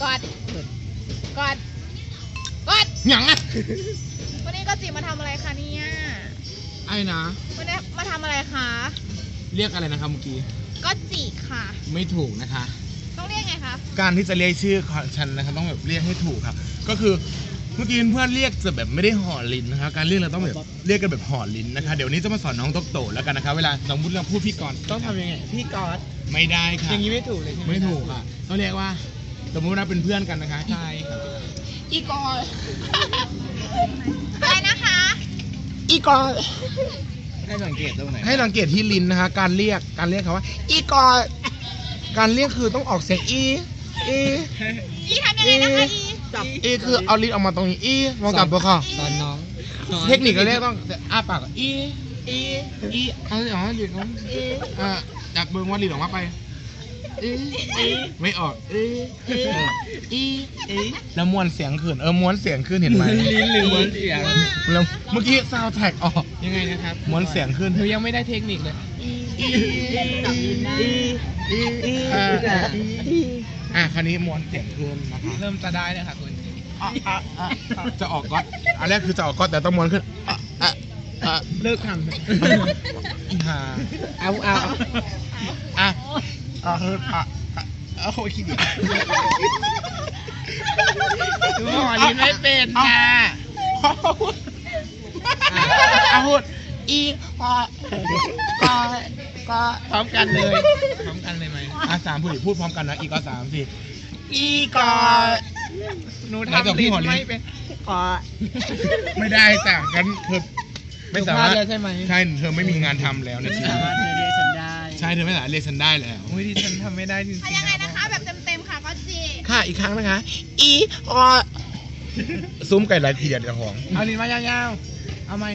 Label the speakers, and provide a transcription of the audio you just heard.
Speaker 1: กอด
Speaker 2: หยังอ่ะ
Speaker 1: วันนี้ก็จิมาทำอะไรคะเนี่ย
Speaker 2: ไอ้นะ
Speaker 1: วันนี้มาทำอะไรคะ
Speaker 2: เรียกอะไรนะครับเมื่อกี้
Speaker 1: ก็จิค่ะ
Speaker 2: ไม่ถูกนะคะ
Speaker 1: ต้องเรียกไงคะ
Speaker 2: การที่จะเรียกชื่อของฉันนะครับต้องแบบเรียกให้ถูกครับก็คือเมื่อกี้เพื่อนเรียกจะแบบไม่ได้ห่อลิ้นนะคะการเรียกเราต้องแบบเรียกกันแบบห่อลิ้นนะคะเดี๋ยวนี้จะมาสอนน้องโตโตแล้วกันนะคะเวลาน้องพูดเรื่องพูดพี่กรณ์
Speaker 3: ต้องทำยังไงพี่กอด
Speaker 2: ไม่ได้ค่ะ
Speaker 3: อย่างนี้ไม่ถูกเลยใช่ไหม
Speaker 2: ไม่ถูกค่ะต้องเรียกว่าสมมติว่าเป็นเพื่อนกันนะคะใช่ครับ
Speaker 3: อีกอด
Speaker 1: อะไรนะคะ
Speaker 2: อีกร
Speaker 3: ให้สังเกตตรงไหน
Speaker 2: ให้สังเกตที่ลิ้นนะคะการเรียกเขาว่าอีกรการเรียกคือต้องออกเสียงอี
Speaker 1: อีทำยังไงนะคะอี
Speaker 3: จับ
Speaker 2: อีคือเอาลิ้นออกมาตรงนี้อีมองกลับตัวค่ะ
Speaker 3: ตอนน้อง
Speaker 2: เทคนิคการเรียกต้องอ้าปากก่อนอีเอาลิ้นออกจับเบิ้งว่าลิ้นออกมาไปไม่ออกแล้วม้วนเสียงขึ้นม้วนเสียงขึ้นเห็นไหม
Speaker 3: ลิ้นหรือม้วนเสียง
Speaker 2: แล้วเมื่อกี้ซาวด์แท็กออก
Speaker 3: ยังไงนะครับ
Speaker 2: ม้วนเสียงขึ้น
Speaker 3: หนูยังไม่ได้เทคนิคเลย
Speaker 2: คราวนี้ม้วนเสียงขึ้นนะคะ
Speaker 3: เริ่มจะได้เลยค่ะคุณ
Speaker 2: จะออกก๊อตอันแรกคือจะออกก๊อตแต่ต้องม้วนขึ้น
Speaker 3: เลิกท
Speaker 2: อีห่า
Speaker 3: ำเอา
Speaker 2: โอ้ยขี้เดียด
Speaker 3: ดูห่อลิ้นไม่เป็นค่ะ
Speaker 2: พูดอีพอก็
Speaker 3: พร้อมกันเลยพร้อมกันเลยไหม
Speaker 2: สามพูดพร้อมกันนะอีกสามสิอีกอ
Speaker 3: หนู
Speaker 2: ไหนจะ
Speaker 3: ทำ
Speaker 2: พี่
Speaker 3: ลิ้น
Speaker 2: ห่อลิ้น
Speaker 3: ไม่เป็นกอด
Speaker 2: ไม่ได้จ้ะงั้นเธอไม่สามารถ
Speaker 3: แล้วใช่ไหม
Speaker 2: ใช่เธอไม่มีงานทำแล้วในชีวิต
Speaker 3: เรียกฉันได้
Speaker 2: ใช่เธอไม่สามารถเรียกฉันได้แล้ว
Speaker 3: โอ้ยดิฉันทำไม่ได้จริง
Speaker 1: ทำยังไงนะคะ แบบเต็มๆค่ะก็จิ
Speaker 2: ค่ะอีกครั้งนะคะ อีอซุ้มไก่ลายเทียดกับของ
Speaker 3: เอาลิ้นมายาวๆเอาไหม